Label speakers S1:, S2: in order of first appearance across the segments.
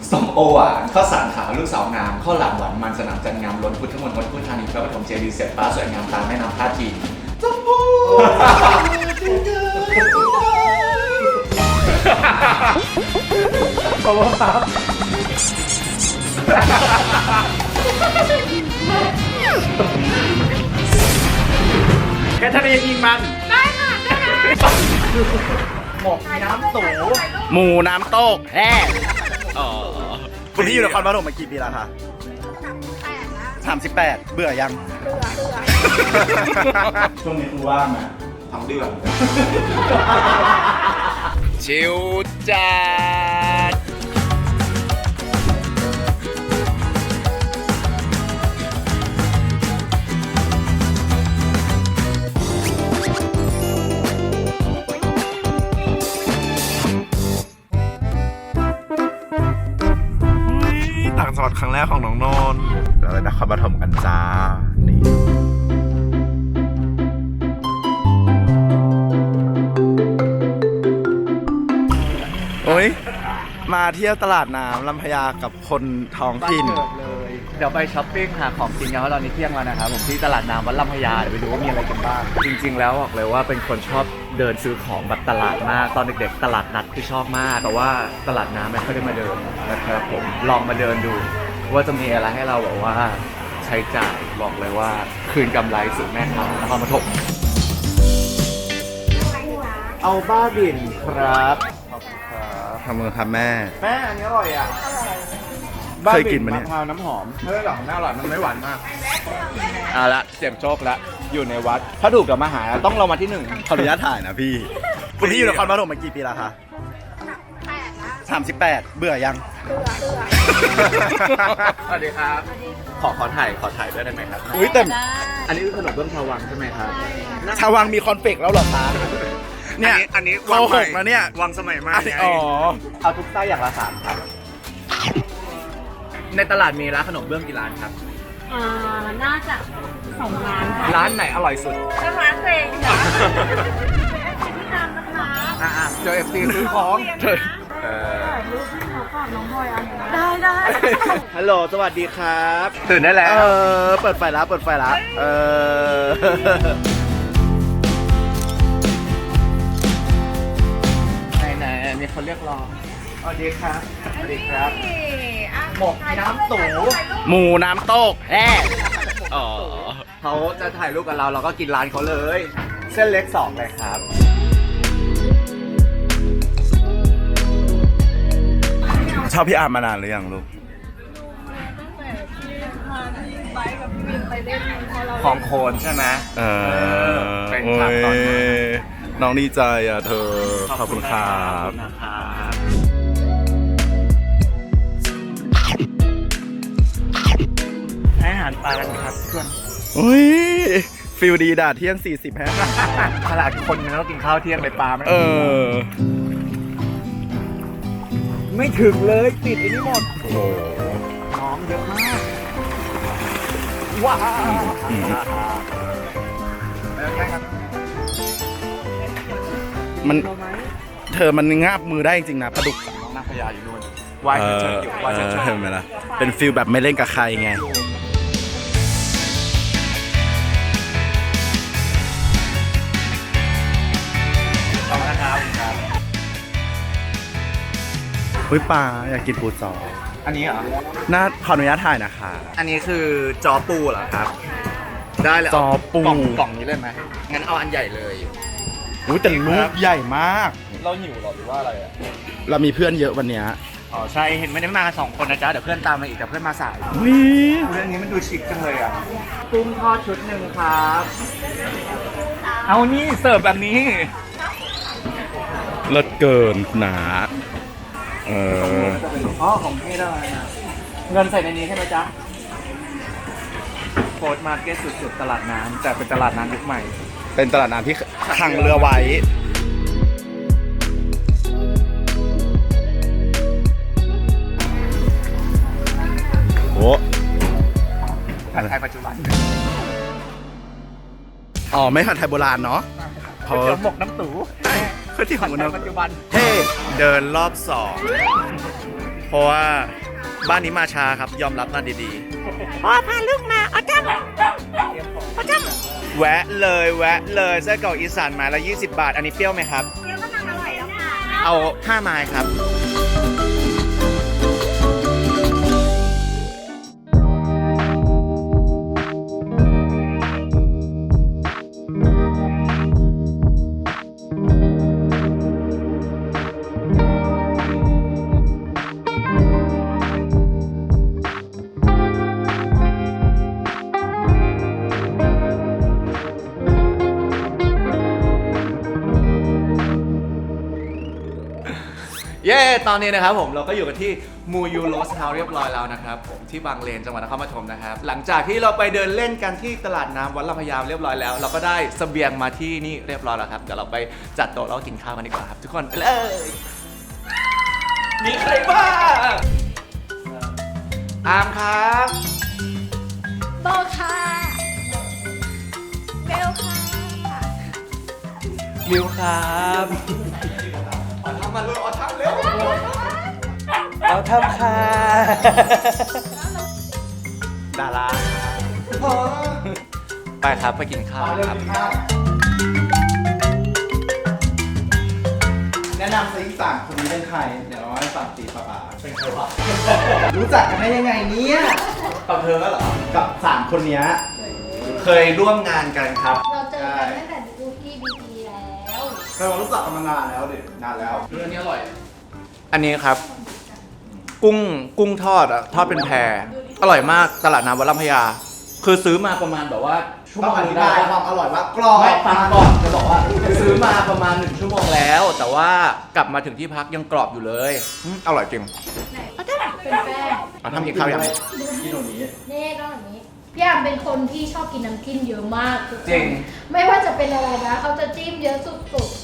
S1: ส้มโอหวานข้าวสารขาวลูกสาวงามข้าวหลามหวานมันสนามจันทร์งามล้นพุทธมณฑลพุทธานีพระปฐมเจดีย์เสียดฟ้าสวยงามตามแม่น้ำท่าจีนจมูก
S2: ขอบคุณครับแกทะเลยิงมันได้ค่ะได้ค่ะหมกน้ำตูหมูน้ำโต๊กแฮ่คุณพี่อยู่นครปฐมมากี่ปีแล้วคะ38เบื่อยังช่วงนี้คือว่างนะทั้งเดือนชิวจัดต่างจังหวัดครั้งแรกของน้องนนท์เราเลยนครปฐมกันจ้านี่โอ้ยมาเที่ยวตลาดน้ำลำพญากับคนท้องถิ่นเลยเดี๋ยวไปช้อปปิ้งหาของกินกันเพราะตอนนี้เที่ยงแล้วนะครับผมที่ตลาดน้ำวัดลำพญาเดี๋ยวไปดูว่ามีอะไรกันบ้างจริงๆแล้วบอกเลยว่าเป็นคนชอบเดินซื้อของแบบตลาดมากตอนเด็กๆตลาดนัดคือชอบมากแต่ว่าตลาดน้ำไม่ค่อยได้มาเดินนะครับผมลองมาเดินดูว่าจะมีอะไรให้เราแบบว่าใช้จ่ายบอกเลยว่าคืนกำไรสู่แม่ค้านครปฐมเอาบ้าบินครับขอบคุณครับแม่อันนี้อร่อยอ่ะเคยกินมั้ยเนี่ยมะพร้าวน้ำหอมไม่ได้หรอกน่าอร่อยมันไม่หวานมากละเสียงโชคละอยู่ในวัดถ้าถูกกับมาหาต้องเรามาที่1ขออนุญาตถ่ายนะพี่คุณพี่อยู่นครปฐมมากี่ปีแล้วคะ38เบื่อยังสวัสดีครับขอถ่ายด้วยได้ไหมครับอุ้ยแต่อันนี้คือขนมเบื้องชาววังใช่ไหมครับชาววังมีคอนเฟกต์แล้วเหรอคะเนี่ยอันนี้โกหกแล้วเนี่ยวังสมัยใหม่อ๋อเอาทุกไส้อย่างละ3ครับในตลาดมีร้านขนมเบื้องกี่ร้านครับ
S3: น่าจะ2 ร้านค่ะ
S2: ร้านไหนอร่อยสุด
S3: ร้านเพลงค่ะพี่ตามนะคะ
S2: เจอFTซื้อของ
S3: รูปเขาฝากน้องพลอยได้
S2: ฮัลโหลสวัสดีครับตื่นได้แล้วเปิดไฟแล้วไหนมีคนเรียกรอสวัสดีครับหมกน้ำตูหมูน้ำโต๊กแฮ่เขาจะถ่ายรูปกับเราก็กินร้านเขาเลยเส้นเล็ก2เลยครับชอบพี่อาร์มมานานหรือยังลูกของโคนใช่ไหมเป็นฉากตอนน้องดีใจอ่ะเธอขอบคุณครับให้อาหารปลากันครับเพื่อนอุ้ยฟิลดีด่าเที่ยง40ฮะขนาดคนนึงต้องกินข้าวเที่ยงไปปลาไหมไม่ถึงเลยติดไอ้นี่หมดโอ้โหน้องเยอะมากว้าวมันเธอมันงาบมือได้จริงๆนะปลาดุกน้องนางพญาอยู่นู่นว่ายเฉยๆอยู่ว่ายเฉยๆเห็นไหมล่ะเป็นฟิลแบบไม่เล่นกับใครไงขอบคุณครับอุ้ยปลาอยากกินปูจออันนี้เหรอน่าขออนุญาตถ่ายนะคะอันนี้คือจอปูเหรอครับได้เลยจอปูกล่องนี้เลยไหมงั้นเอาอันใหญ่เลยอุ้ยแต่ลูกใหญ่มากเราหิวหรอหรือว่าอะไรอ่ะเรามีเพื่อนเยอะวันนี้อ๋อใช่เห็นไม่ได้มากัน2 คนนะจ๊ะเดี๋ยวเพื่อนตามมาอีกแต่เพื่อนมาสายเรื่องนี้มันดูชิคจังเลยอ่ะกุ้งทอดชุดหนึ่งครับเอานี่เสิร์ฟแบบนี้เลิศเกินหนาของเท่ได้เงินใส่ในนี้ใช่ไหมจ๊ะโฟร์มาร์เก็ตสุดๆตลาดน้ำแต่เป็นตลาดน้ำยุคใหม่เป็นตลาดน้ำที่ขังเรือไว้โอ้ผัดไทยปัจจุบันไม่ผัดไทยโบราณเนาะก๋วยเตี๋ยวหมกน้ำตู่ก๋วยเตี๋ยวหมกน้ำปัจจุบันเท่เดินรอบ2 เพราะว่าบ้านนี้มาช้าครับยอมรับกันดีๆพ่อพาลูกมาเอาจ้ำแวะเลยไส้กรอกอีสานไม้ละ20 บาทอันนี้เปรี้ยวไหมครับ
S3: เดี๋ยวก็ทำอร่อยแล้วค่ะ
S2: เอา5 ไม้ครับเย้ตอนนี้นะครับผมเราก็อยู่กันที่มูยูโรสเฮาส์เรียบร้อยแล้วนะครับผมที่บางเลนจังหวัดนครปฐมนะครับหลังจากที่เราไปเดินเล่นกันที่ตลาดน้ำวัดลำพญาเรียบร้อยแล้วเราก็ได้เสบียงมาที่นี่เรียบร้อยแล้วครับเดี๋ยวเราไปจัดโต๊ะแล้วก็กินข้าวกันดีกว่าครับทุกคนไปเลยมีใครบ้างอามครับ
S3: โบค่ะเบลค่ะ
S2: มิวครับเอาทำมาเลยเอาทำเร็วเอาทำค่ะดาราไปครับไปกินข้าวครับ
S4: แนะนำซิอีก3คนนี้เป็นใคร เดี๋ยวเราให้ฟังตีป้าเป็นใครวะ รู้จักกันได้ยังไงเนี่ย
S2: กับเธอก็เหรอ
S4: กับ3คนเนี้ย
S2: เคยร่วมงานกันครับ
S3: เราเจอกันตั้งแต่ดูที่บีบีแล้ว
S4: เรารู้จักกันมานานแล้วดินานแล้ว
S2: เรื่องนี้อร่อย อันนี้ครับ กุ้งทอดอะทอดเป็นแพรอร่อยมากตลาดน้ำวัดลำพญาคือซื้อมาประมาณแบบว่าชั่ว
S4: ต้
S2: โม
S4: อง
S2: ง
S4: อธิ
S2: ได้
S4: บายความอร่อยว่ากรอบ
S2: ไม่ฟังก่อนจะบอกว่าซื้อมาประมาณ1 ชั่วโมงแล้ว แต่ว่ากลับมาถึงที่พักยังกรอบอยู่เลยอร่อยจริง
S3: ไหนเขาจะเป็นแป้ง
S2: เอาทำกินข้าวยัง
S4: ที่ตรงนี้
S3: นี่ต้องแบบนี้พี่อามเป็นคนที่ชอบกินน้ำจิ้มเยอะมากทุกคน
S2: จริง
S3: ไม่ว่าจะเป็นอะไรนะเขาจะจิ้มเยอะสุด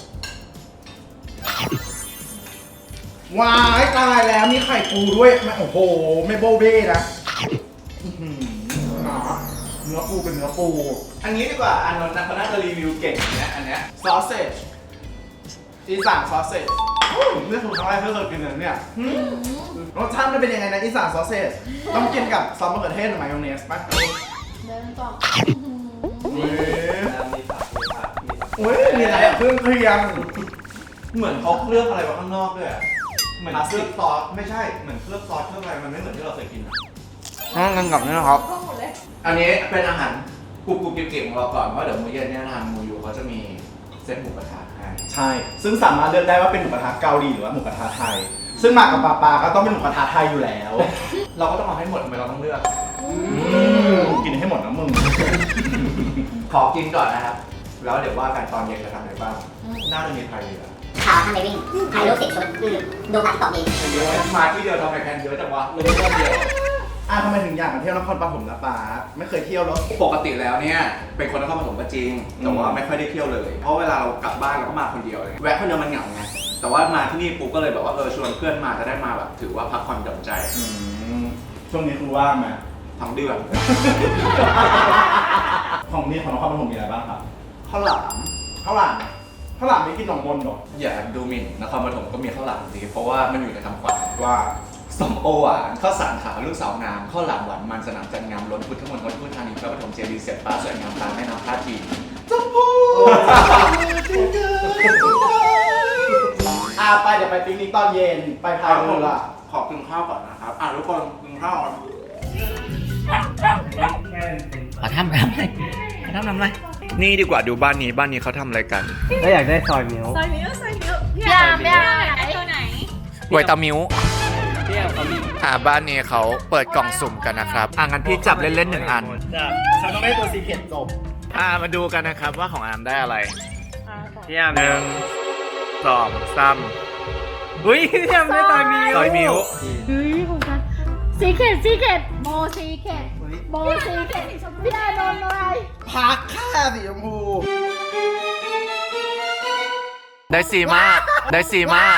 S4: ว้ายตายแล้วมีไข่ปูด้วยโอ้โห ไม่โบเบ้นะอื้อหือเนื้อปูเป็นเนื้อปู
S2: อันนี้ดีกว่าอันนั้นเขาน่าจะรีวิวเก่งนะอันเนี้ย
S4: ซอสเซจอีสานซอสเซจเรื่องของครั้งแรกที่เคยกินเลยเนี่ย
S3: ๆ
S4: รสชาติมันเป็นยังไงนะอีสานซอสเซจต้องกินกับซอสมะเขือเทศหรือมายองเนสป่ะ
S3: เดินต่อ
S4: เฮ้ยเฮ้ยมีอะไรอะเครื่องเคียง
S2: เหมือนเขาเคลือบอะไรไว้ข้างนอกด้วยอะเหมือน
S4: พลาส
S2: เคลื
S4: ติ
S2: อบ
S4: ก
S2: ซอสไม่ใช่เหมือนเคลือบซอสเคลือบอะไรมันไม่เหมือนที่เราเคยกินงั้นกลับนี่นะครับ
S3: ก็หมดเลย
S2: อันนี้เป็นอาหารกรุบๆเก็บๆของเราก่อนเพราะเดี๋ยวมื้อเย็นเนี่ยทางมูยูเขาจะมีเซตหมูกระทะให้
S4: ใช่ ซึ่งสามารถเลือกได้ว่าเป็นหมูกระทะเกาหลีหรือว่าหมูกระทะไทย ซึ่งมากับปลาก็ต้องเป็นหมูกระทะไทยอยู่แล้ว
S2: เราก็ต้องเอาให้หมดทำไมเราต้องเลือก
S4: กินให้หมดนะมึง
S2: ขอกินก่อนนะครับ แล้วเดี๋ยวว่ากันตอนเย็นจะทำอะไรบ้างน่าจะมีใครเหลือ
S5: ข่าวทำไมวิ่งถ่ายรูป10 ชุดดูผ่านตอบเอง
S2: เยอะมาที่เดียวทำไมแพนเยอะจังวะเลยเดียว
S4: ทำไมถึงอยากมาเที่ยวนครปฐมนะป้าไม่เคยเที่ยวหรอ
S2: ปกติแล้วเนี่ยเป็นคนนครปฐมก็จริงแต่ว่าไม่ค่อยได้เที่ยวเลย เพราะเวลาเรากลับบ้านเราก็มาคนเดียวเลยแวะคนเดียวมันเหงาไงแต่ว่ามาที่นี่ปุ๊บก็เลยแบบว่าชวนเพื่อนมาจะได้มาแบบถือว่าพักผ่อนหย่อนใจ
S4: ช่วงนี้คือว่างไหม
S2: ทั้งเดือน
S4: ของนี่ของนครปฐมมีอะไรบ้างครับ
S2: ข้าวหลาม
S4: ข้าวหลามข้าวหลามไม่กินหนองมนต์หรอ
S2: อย่าดูหมิ่นนครปฐมก็มีข้าวหลามดีเพราะว่ามันอยู่ในคำขวัญ
S4: ว่า
S1: ส้มโอหวานข้าวสารขาวลูกสาวงามข้าวหลามหวานมันสนามจันทร์งามล้นพุทธมณฑลพุทธานีพระปฐมเจดีย์เสียดฟ้าสวยงามตามแม่น้ำท่าจีนจมพู
S4: ไปเดี๋ยวไปปิกนิกตอนเย็นไปพายเรือ
S2: ขอกินข้าวก่อนนะครับทุกคนกินข้าวก่อน
S5: ขอทำอะไร
S2: นี่ดีกว่าดูบ้านนี้เขาทำอะไรกัน
S6: แล้วอยากได้ซอยมิ้ว
S3: พี่อามอยากได้ตัวไหน
S2: ไวตามิว
S6: เที่ยวเขามี
S2: บ้านนี้เขาเปิดกล่องสุ่มกันนะครับงั้นพี่จับเล่นๆ1 อัน
S4: ฉันต้องได้ตัวซีเค็ดจบ
S2: มาดูกันนะครับว่าของอามได้อะไร
S6: พี่ยาม
S2: 1 2 3
S6: อุ้ยพี่ยามได้ซอยมิ้ว
S2: ซอยมิ้ว
S3: เฮ้ยของฉันซีเค็ดโมซีเค็ดพี่อามโดนอะไร
S4: พักค่าสีชมพู
S2: ได้สีมาก ได้สีมาก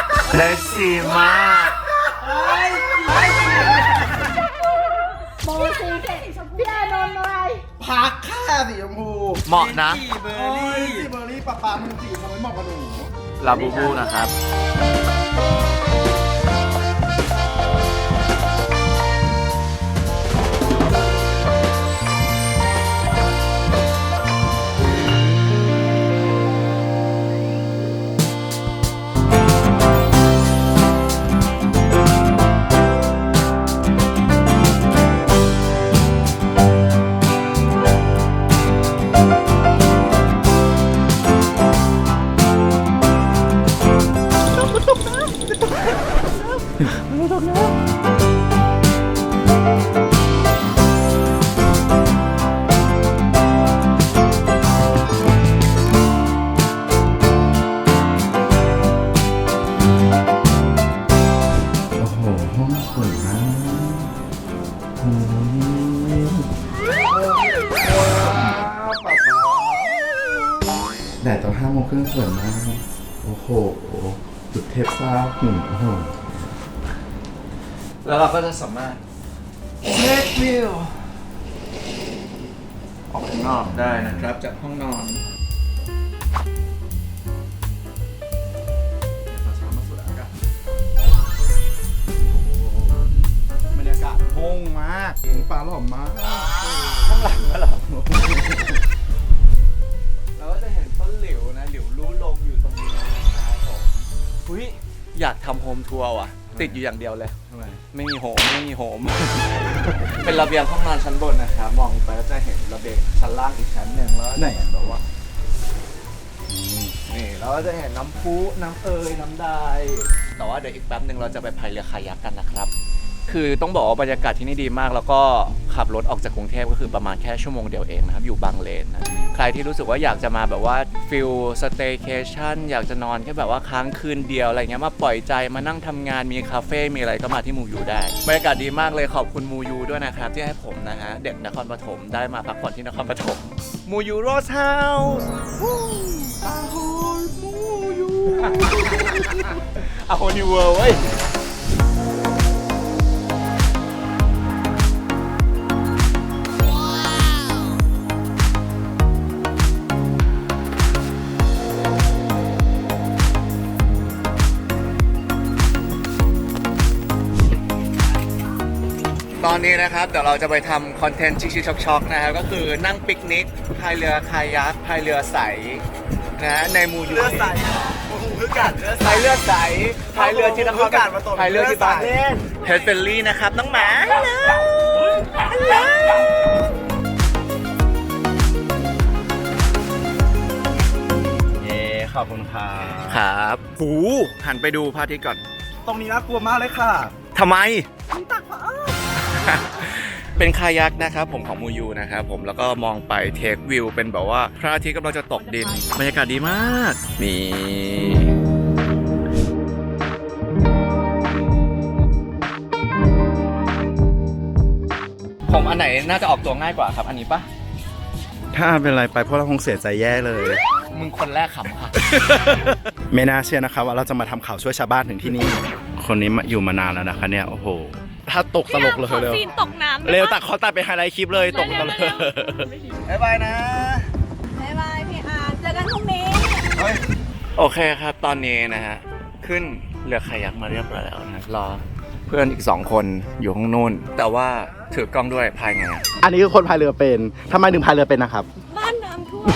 S3: โมซีเค็ดพี่อามโดนอะไร
S4: พักค่าสีชมพู
S2: เหมาะนะ
S4: เบอร์รี่สีเบอร์รี่ป้ามันสีชมพูเหมาะกับหนู
S2: ลาบูบูนะครับ
S4: โอ้โห ห้องสวยมากโอ้ยแดดตอน5 โมงครึ่งสวยมาก โอ้โหจุดเทพซ่าหุ่นโอ้โห
S1: แล้วเราก็จะสามารถเช็ควิวออกข้างนอกได้นะครับจากห้องนอน
S4: บรรยากาศโล่งมากปลาหล่อมาก
S1: ข้างหลังก็หรอเราก็จะเห็นต้นหลิวนะ หลิวรู้ลมอยู่ตรงนี้นะครับผมอุ้ยอยากทำโฮมทัวร์ว่ะ ติดอยู่อย่างเดียวเลย
S4: ทำไม
S1: ไม่มีโฮม เป็นระเบียงห้องนอนชั้นบนนะครับ มองไปก็จะเห็นระเบียงชั้นล่างอีกชั้นหนึ่งแล้ว
S4: ไหนอะ
S1: แบบว่านี่เราก็จะเห็นน้ำพุน้ำเอยน้ำไดแต่ว่าเดี๋ยวอีกแป๊บหนึ่งเราจะไปพายเรือคายักกันนะครับ คือต้องบอกว่าบรรยากาศที่นี่ดีมาก แล้วก็ขับรถออกจากกรุงเทพก็คือประมาณแค่ชั่วโมงเดียวเองนะครับ อยู่บางเลนนะใครที่รู้สึกว่าอยากจะมาแบบว่าฟิลสเตย์เคชั่นอยากจะนอนแค่แบบว่าค้างคืนเดียวอะไรเงี้ยมาปล่อยใจมานั่งทำงานมีคาเฟ่มีอะไรก็มาที่มูยูได้บรรยากาศดีมากเลยขอบคุณมูยูด้วยนะครับที่ให้ผมนะฮะเด็กนครปฐมได้มาพักผ่อนที่นครปฐมมูยูโรสเฮาส์อาโฮมูยูอาโฮนิวเวิลด์เว้ย ตอนนี้นะครับเดี๋ยวเราจะไปทำคอนเทนต์ชิคๆช็อกๆนะครับก็คือนั่งปิกนิกพายเรือคายักพายเรือใสนะในมูยูเรือใสพายเรือใสพายเรือที่นครพายเรือที่บางเลนเฮดเฟลลี่นะครับน้องหมาฮัลโหลฮัลโหล
S4: เย้ขอบคุณค่ะ
S1: ครับหูหันไปดูพระอาทิตย์ก่อน
S4: ตรงนี้น่ากลัวมากเลยค่ะ
S1: ทำไม เป็นคายักนะครับผมของมูยูนะครับผมแล้วก็มองไปเทควิวเป็นแบบว่าพระอาทิตย์กำลังจะตกดินบรรยากาศดีมากนี่ผมอันไหนน่าจะออกตัวง่ายกว่าครับอันนี้ปะ
S4: ถ้าเป็นอะไรไปพวกเราคงเสียใจแย่เลย
S1: มึงคนแรกขำค่ะ
S4: ไม่น่าเชื่อนะคะว่าเราจะมาทำข่าวช่วยชาวบ้านถึงที่นี่ คนนี้อยู่มานานแล้วนะคะเนี่ยโอ้โหถ้าตกตลกเลยเร็ว
S3: ซีนตกน้ำ
S4: เร็วตัดขอตัดไปไฮไลท์คลิปเลยตกตลก
S1: บ๊ายบายนะ
S3: บ๊ายบายพี่อาร์เจอกันพรุ่งนี้
S1: โอเคครับตอนนี้นะฮะขึ้นเรือคายักมาเรียบร้อยแล้วนะรอเพื่อนอีก2คนอยู่ข้างนู้นแต่ว่าถือกล้องด้วยพายไงอะ
S4: อันนี้คือคนพายเรือเป็นทำไมถึงพายเรือเป็นนะครับ
S3: บ้านน้ำท่วม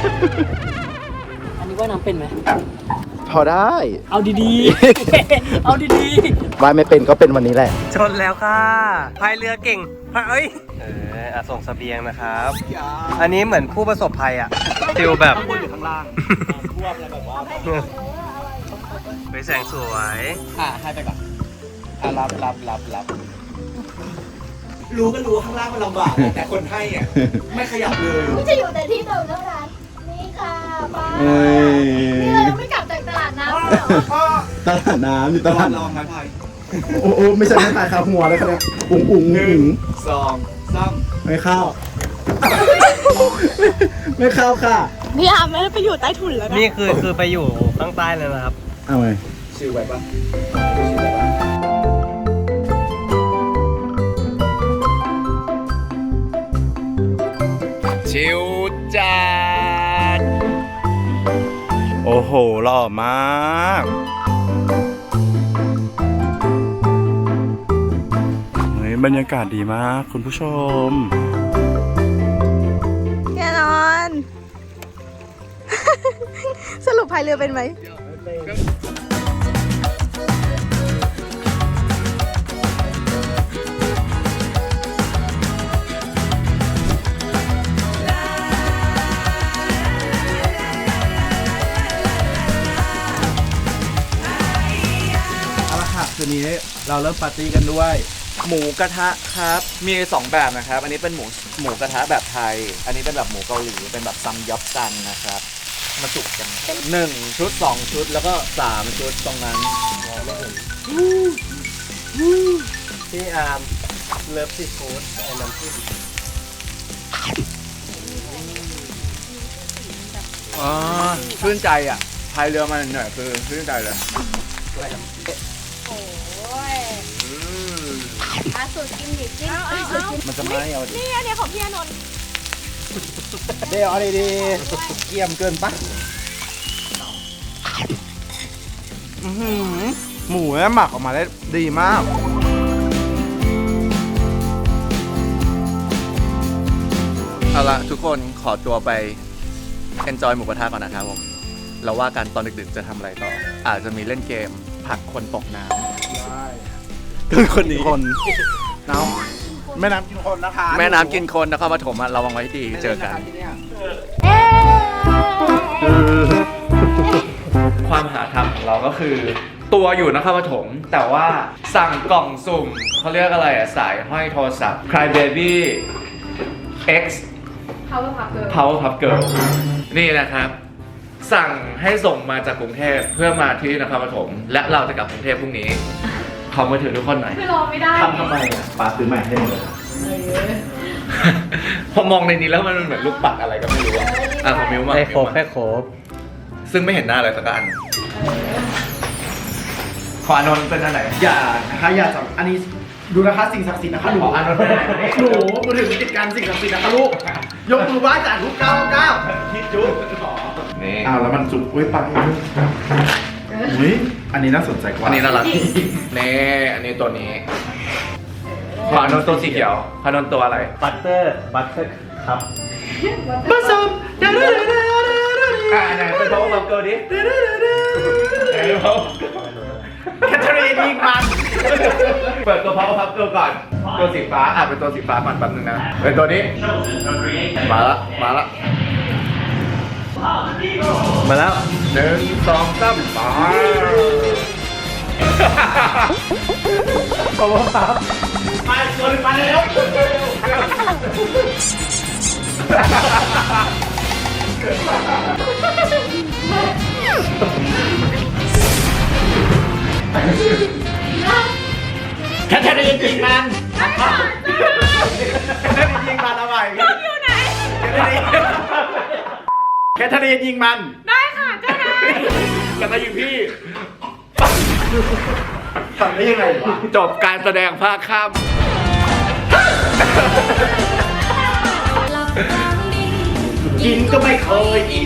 S6: อันนี้ว่าน้ำเป็นไหม
S4: พอได้
S6: เอาดีๆ เอาดี
S4: ว่ายไม่เป็นก็เป็นวันนี้แหละ
S6: ๆ ชนแล้วค่ะ พายเรือเก่งพายส่งเสบียงนะครับ อันนี้เหมือนผู้ประสบภัยอ่ะฟิลแบบข้างบนหรือข้างล่างท่วมแล้วแบบว่าไปแสงสวย
S1: ให้ไปก่อนรับรู้ก็รู้ว่าข้างล่างมันลำบากแต่คนให้อ่ะไม่ขยับเลย
S3: ไม่จะอยู่แต่ที่เดิมเท่านั้นนี่ค่ะป้า
S4: เอ้ย
S3: นี่เรายังไม่กลับจากตลาดน้ำเลยเหรอ
S4: ตลาดน้ำอยู่ตลาด
S1: ลองนะพาย
S4: โอ้โหไม่ใช่ไม่ตายคาหัวเลยครับเนี่ยอุ๋งอุ๋งอุ๋ง
S1: 2 3
S4: ไม่เข้า ไม่เข้าค่ะ
S3: พี่อาร์ไม่ได้ไปอยู่ใต้ถุนแล้วนะ
S6: นี่คือไปอยู่ข้างใต้เลยนะครับ
S4: เอาไง
S1: ชิลไว้ปะชิลจัด
S4: โอ้โหหล่อมากเฮ้ยบรรยากาศดีมากคุณผู้ชม
S3: แน่นอน สรุปพายเรือเป็นไหม
S4: เอาละค่ะคืนนี้เราเริ่มปาร์ตี้กันด้วย
S1: หมูกระทะครับ มี 2 แบบนะครับ อันนี้เป็นหมูกระทะแบบไทย อันนี้เป็นแบบหมูเกาหลี เป็นแบบซัมยอปกันนะครับ มาจุกกัน1 ชุด 2 ชุด แล้วก็ 3 ชุดตรงนั้น
S6: พี่อาร์มเลิฟซีฟู้ดไอ้น้ำจิ้ม
S1: อ๋อชื่นใจอ่ะพายเรือมาหน่อยคือชื่นใจเลย
S3: โอ้ยสูตรกินดิจิ้มสูตรกิน
S1: มันจะไม่เอาดิ
S3: นี่อันนี้ของพี่อานนท์
S4: เดี๋ยวเอาดีๆเกี่ยมเกินปะหมูเนี่ยหมักออกมาได้ดีมาก
S1: เอาละทุกคนขอตัวไป enjoy หมูกระทะก่อนนะครับผมแล้วว่ากันตอนดึกๆจะทำอะไรต่อ อาจจะมีเล่นเกมผลักคนตกน้ำคือคนนี้
S4: คนน้ำแม่น้ำกินคนนะคะ
S1: แม่น้ำกินคนนครปฐมอะระวังไว้ให้ดีเจอกัน
S3: เอ๊ะ
S1: ความหาทำของเราก็คือตัวอยู่นครปฐมแต่ว่าสั่งกล่องสุ่มเขาเรียกอะไรอะสายห้อยโทรศัพท์ Cry Baby X Power Puff Girl นี่นะครับ สั่งให้ส่งมาจากกรุงเทพเพื่อมาที่นครปฐมและเราจะกลับกรุงเทพพรุ่งนี้ขอมือถือทุกคนหน่อย
S3: คือรอไม่ได้
S1: ทำไมอ่ะ
S4: ปาซื้อใหม่ให้หมดเลย
S1: พอมองในนี้แล้วมันเหมือนลูกปัดอะไรก็ไม่รู้อ่ะของมิวมา
S6: ให้ครบให้ครบ
S1: ซึ่งไม่เห็นหน้าอะไรสักอันขออานนท์เป็นอันไหน
S4: อย่านะคะอย่าจับอันนี้ดูนะคะสิ่งศักดิ์สิทธิ์นะคะหนู
S1: ขออานนท์เป็นอันไหน
S4: หนูมือถือติดการสิ่งศักดิ์สิทธิ์นะคะลูกยกมือไหว้จากทุกก้าวก้าว
S1: คิดจุ๊บนี่
S4: อ้าวแล้วมันจุกไว้ปังอุ้ยอันนี้น่าสนใจกว่า
S1: อันนี้น่ารักนี่อันนี้ตัวนี้ขออานนท์ตัวสีเขียวขออานนท์ตัวอะไร
S6: บัตเตอร์ครับ
S4: ผสม
S1: ไหนเป็น Power Puff Girl ดิไหนดู
S4: แคทเธอรีนยิงมัน
S1: เปิดตัว Power Puff Girl ก่อน ตัวสีฟ้าเป็นตัวสีฟ้าก่อนแป๊บนึงนะเป็นตัวนี้มาละ
S6: มาแล้ว
S1: 1 2 3มา
S6: Power Puff
S4: มาตัวนึงมาเร็ว แคทเธอรีนยิงมันแคทเธอรีนยิงมันเอาใหม่
S3: อยู่ไหน
S4: แคทเธอรีนยิงมัน
S3: ได้ค่ะเจ้านาย
S1: แล้วก็ยิงพี่
S4: ทำได้ยังไงวะ
S1: จบการแสดงภาคค่ำ
S4: กินก็ไม่เคยอิ่ม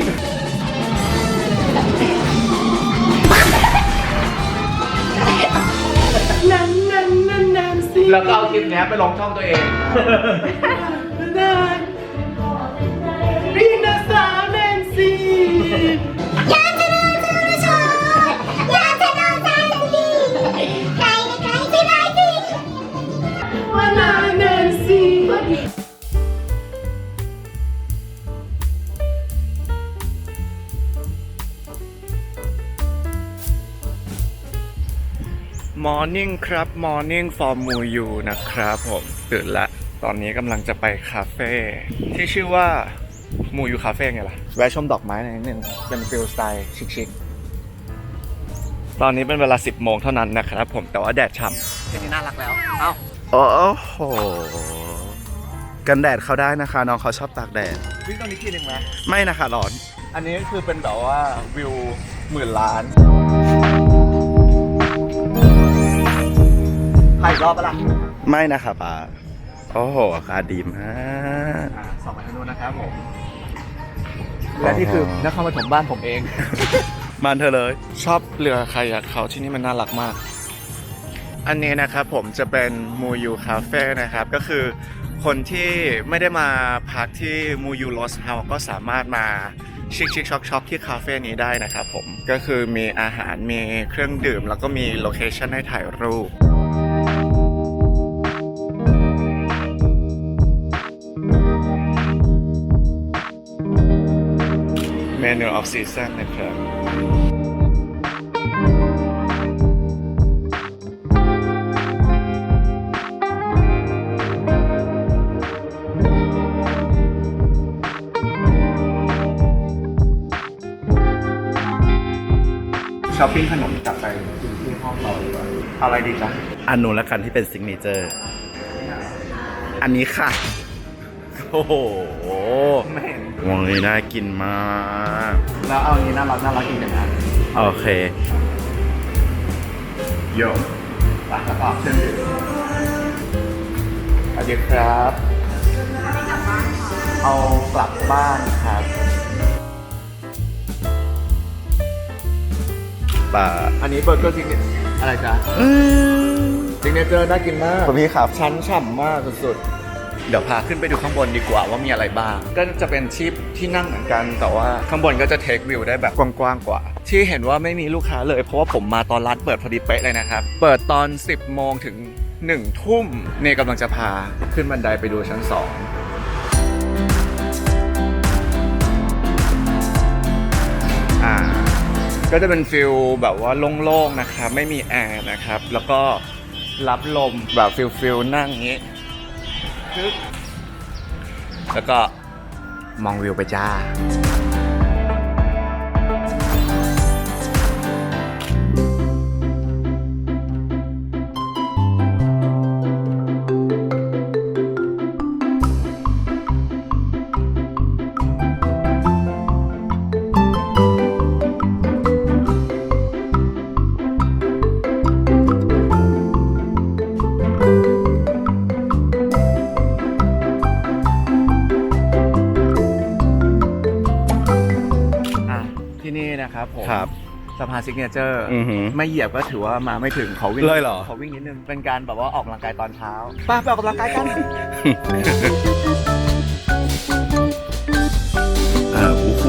S1: แล้วก็เอาคลิปนี้ไปลงช่องตัวเอง
S4: พี่นาสาวแนนซี่
S5: อยากจะนอนเธอชอบอยากจะนอนใจดีไกลไกลที่ไหนดี
S4: ว่านาแนนซี่
S1: Morning ครับ Morning for Muyu นะครับผมตื่นละตอนนี้กำลังจะไปคาเฟ่ที่ชื่อว่า Muyu Cafe ไงล่ะ แวะชมดอกไม้หน่อยนิดนึงเป็นฟิลสไตล์ชิคๆตอนนี้เป็นเวลา 10 โมงเท่านั้นนะครับผมแต่ว่าแดดฉ่ำที่นี่น่ารักแล้ว เอ้า
S4: โอ้โห กันแดดเขาได้นะคะ น้องเขาชอบตากแดด
S1: วิ่งตรงนี้ทีนึงไหม
S4: ไม่นะคะร้อน
S1: อันนี้คือเป็นแบบว่าวิว10,000 ล้านถ่ายรอบปะล่ะ
S4: ไม่นะคะป้าโอ้โหอากาศดีมาก
S1: ส่องมาทางนู้นนะครับผม และนี่คือนครปฐมบ้านผมเอง
S4: บ้านเธอเลย
S1: ชอบเรือคายักเขาที่นี่มันน่ารักมาก อันนี้นะครับผมจะเป็นมูยูคาเฟ่นะครับ ก็คือคนที่ไม่ได้มาพักที่มูยูลอสเฮาส์ก็สามารถมาชิคๆช็อกๆที่คาเฟ่นี้ได้นะครับผม ก็คือมีอาหารมีเครื่องดื่ม แล้วก็มีโลเคชั่นให้ถ่ายรูป เมนูออฟซีซั่นนะครับ
S2: อปปิ้งขนมกลับไปกินที่ห้องเราดีกว่าเอาอะไรดีจ๊ะ
S4: อันนู้นละกันที่เป็นซิกเนเจอร์ อันนี้ค่ะ โอ้โห
S2: ไม่เห็น
S4: วงนี้น่ากินมาก
S2: แล้วเอาอันนี้น่ารักอีกหนึ่งอัน
S4: โอเค
S2: โยมไปแล้วก็เส้นดื่มสวัสดีครับ เอากลับบ้านครับ
S4: ป่า
S2: อันนี้เบอร์เกอร์ซิกเนเจอร์อะไรจ๊ะซิกเนเจอร์น่ากินมาก
S4: คุณพี่ครับ
S2: ชั้นฉ่ำมากสุด
S1: เดี๋ยวพาขึ้นไปดูข้างบนดีกว่าว่ามีอะไรบ้าง
S2: ๆก็จะเป็นที่นั่งเหมือนกัน แต่ว่าข้างบนก็จะเทควิวได้แบบกว้างๆกว่า
S1: ที่เห็นว่าไม่มีลูกค้าเลยเพราะว่าผมมาตอนร้านเปิดพอดีเป๊ะเลยนะครับ เปิดตอน 10 โมงถึง 1 ทุ่มเนี่ยกำลังจะพาขึ้นบันไดไปดูชั้น ก็จะเป็นฟิลแบบว่าโล่งๆนะครับไม่มีแอร์นะครับแล้วก็รับลมแบบฟิลนั่งอย่างนี้ปึ๊บแล้วก็มองวิวไปจ้า ที่นี่นะครับผม
S4: ครับ
S1: สะพานซิกเนเจอร์
S4: อือหือ
S1: ไม่เหยียบก็ถือว่ามาไม่ถึงขอวิ่ง
S4: เลยเหรอ
S1: ขอวิ่งนิดนึงเป็นการแบบว่าออกกำลังกายตอนเช้าไปออกกำลังกายกัน
S4: โอ้โห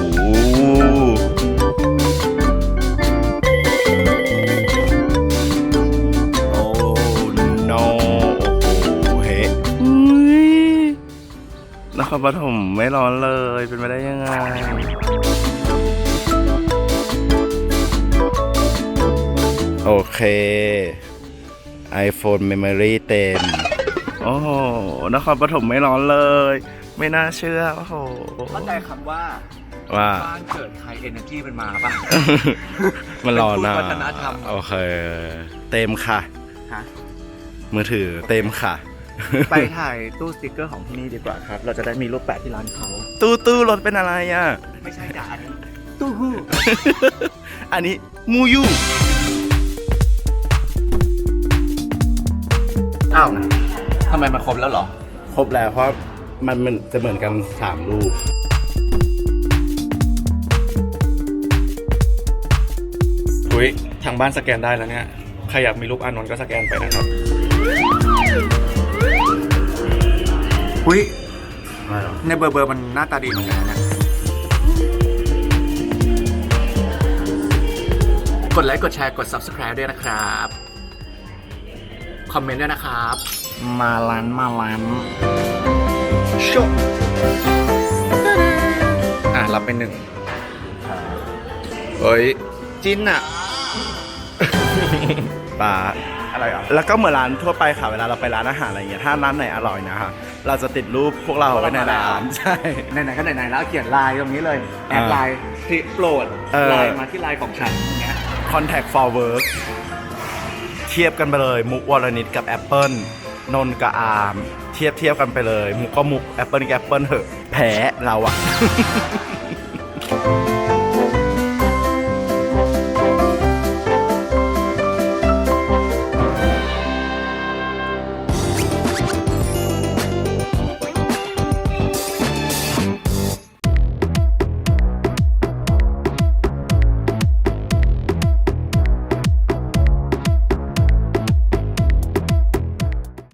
S4: โอ้ no โอ้โหเฮ้ยนครปฐมไม่ร้อนเลยเป็นไปได้ยังไง โอเค iPhone Memory เต็ม โอ้โห นครปฐมไม่ร้อนเลย ไม่น่าเชื่อ โอ้โห
S1: เข้าใจคำว่า
S4: ว่า
S1: บ้านเกิดใคร energy เป็นมาป่ะ
S4: มันร้อนนะ
S1: เป็นทูตวัฒนธรรม
S4: โอเค เต็มค่ะ
S1: ฮะ
S4: มือถือเต็มค่ะ
S1: ไปถ่ายตู้สติกเกอร์ของที่นี่ดีกว่าครับ เราจะได้มีรูปแปะที่ร้านเขา
S4: ตู้รถเป็นอะไรอ่ะ
S1: ไม่ใช่ด่าอันนี้ตู้ฮู้
S4: อันนี้มูยู
S1: อ้าวทำไมมันครบแล้วเหรอ
S4: ครบแล้วเพราะมันจะเหมือนกัน3รูป
S2: อุ้ยทางบ้านสแกนได้แล้วเนี่ย ใครอยากมีรูปอานนท์ก็สแกนไปนะครับ
S1: อุ้ยในเบอร์มันหน้าตาดีเหมือนกันนะเนี่ยกดไลค์กดแชร์กด subscribe ด้วยนะครับ คอมเมนต์ด้วยนะครับ มาล้านชกรับไป1เฮ้ย จิ้นอะ
S4: ป่า
S1: อะไรอ่ะ
S4: แล้วก็เหมือนร้านทั่วไปค่ะ เวลาเราไปร้านอาหารอะไรเงี้ย ถ้าร้านไหนอร่อยนะฮะ เราจะติดรูปพวกเราไว้ในร้าน ใช่
S1: ไหนๆก็ไหนๆแล้วเขียนไลน์ตรงนี้เลย แอดไลน์คลิกโปรด ไลน์มาที่ไลน์ของฉันอย่างเงี้ย
S4: Contact for Work เทียบกันไปเลย มุกวรนิตกับ Apple นนท์กับอาร์มเทียบกันไปเลย มุกก็มุก Apple กับ Apple เหอะ แพ้เราอะ